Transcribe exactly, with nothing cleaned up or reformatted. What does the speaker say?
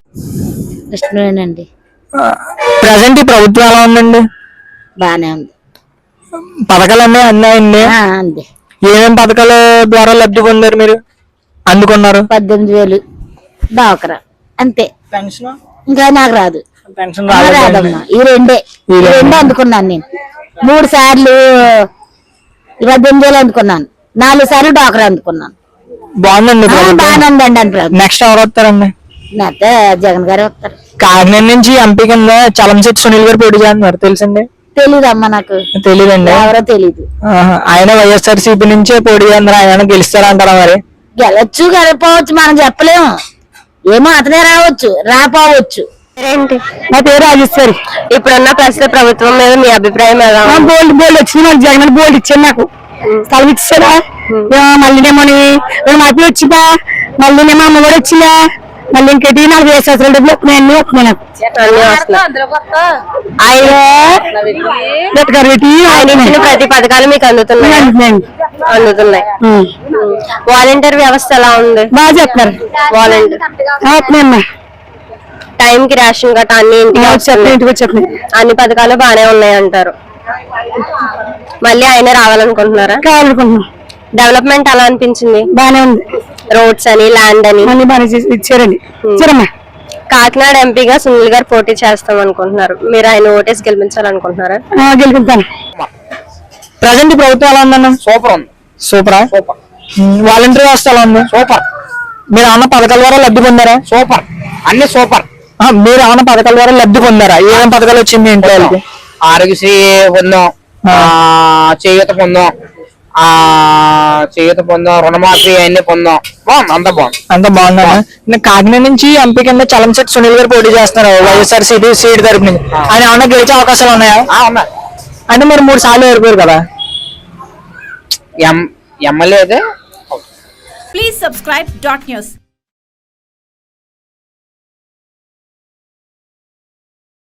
ఇష్టమేనండి. Present ఈ ప్రభుత్వం ఎలా ఉందండి? బానే ఉంది. పథకాలు అన్నీ అన్నాయండి. అంది ఏమేమి పథకాల ద్వారా లబ్ధి పొందారు మీరు, అందుకున్నారు? పద్దెనిమిది వేలు డాక్రా అంతే. పెన్షన్ ఇంకా నాకు రాదు. పెన్షన్ రాదమ్మా. ఈ రెండే ఈ రెండే అందుకున్నాను నేను. మూడు సార్లు పద్దెనిమిది వేలు అందుకున్నాను. నాలుగు సార్లు డాక్రా అందుకున్నాను. బాగుందండి. బాగానే ఉందండి. అని నెక్స్ట్ ఎవరు వస్తారండి? అయితే జగన్ గారు వస్తారు. కాకినాడ నుంచి ఎంపీ కింద చలంశెట్టి సునీల్ గారు పోటీ చేస్తున్నారు, తెలుసండి? తెలీదమ్మా నాకు. తెలీదండి. ఎవరో తెలీదు. ఆయన వైఎస్ఆర్ సిపి నుంచే పోటీ చేస్తున్నారు. ఆయన గెలుస్తారంటారా మరి? గెలవచ్చు గెలపోవచ్చు మనం చెప్పలేము. ఏమో అతనే రావచ్చు రాపోవచ్చు. ఏంటి? నా పేరు రాజేశ్వరి. ఇప్పుడున్న ప్రస్తుత ప్రభుత్వం మీద మీ అభిప్రాయం ఎలా? బోల్డ్ బోల్డ్ వచ్చింది. నాకు జగన్ బోల్డ్ ఇచ్చాను. నాకు స్థలం ఇచ్చారా? మళ్ళీనేమో మాపి వచ్చిందా? మళ్ళీనేమో అమ్మ కూడా వచ్చిందా? మళ్ళీ ఇంకటి నాకు వేరే సంవత్సరాల డబ్బులు వస్తున్నాయి. అన్ని వస్తున్నాయి నాకు. ప్రతి పథకాలు మీకు అందుతున్నాయి అందుతున్నాయి వాలంటీర్ వ్యవస్థ ఎలా ఉంది? బాగా చెప్తున్నారు. వాలంటీర్ టైం కి రేషన్ గట్రా అన్ని ఇంటికి చెప్పండి. అన్ని పథకాలు బాగానే ఉన్నాయి అంటారు. మళ్ళీ ఆయన రావాలనుకుంటున్నారా? కావాలనుకుంటున్నాం. డెవలప్మెంట్ ఎలా అనిపించింది? బాగానే ఉంది. రోడ్స్ అని ల్యాండ్ అని అన్ని బాగా ఇచ్చారండి. కాకినాడ ఎంపీగా సునీల్ గారు పోటీ చేస్తాం అనుకుంటున్నారు. మీరు ఆయన ఓటేసి గెలిపించాలనుకుంటున్నారా? గెలుపుతాను. ప్రజెంట్ ప్రభుత్వం ఎలా ఉందన్న? సూపర్ ఉంది. సూపరా? సూపర్. వాలంటీర్ వ్యవస్థ ఎలా ఉంది? సూపర్. మీరు ఏమన్నా పథకాల ద్వారా లబ్ధి పొందారా? సూపర్. అన్ని సూపర్. మీరు ఏమన్నా పథకాల ద్వారా లబ్ధి పొందారా? ఏమేమి పథకాలు వచ్చింది ఇంట్లో? ఆరోగ్యశ్రీ పొందాం, చేయూత పొందాం, ఆ చేయూత పొందాం, రుణమాఫీ అన్ని పొందాం. బాగుంది, అంత బాగుంది. అంత బాగుందా? కాకినాడ నుంచి ఎంపీ కింద చలంశెట్టి సునీల్ గారు పోటీ చేస్తున్నారు వైఎస్ఆర్ సిపి సీట్ తరపు నుంచి. ఆయన ఏమన్నా గెలిచే అవకాశాలు ఉన్నాయా? ఉన్నాయి. అంటే మీరు మూడు సార్లు ఓడిపోయారు కదా. ఎం ఎమ్మెల్యే అయితే. Please subscribe dot news.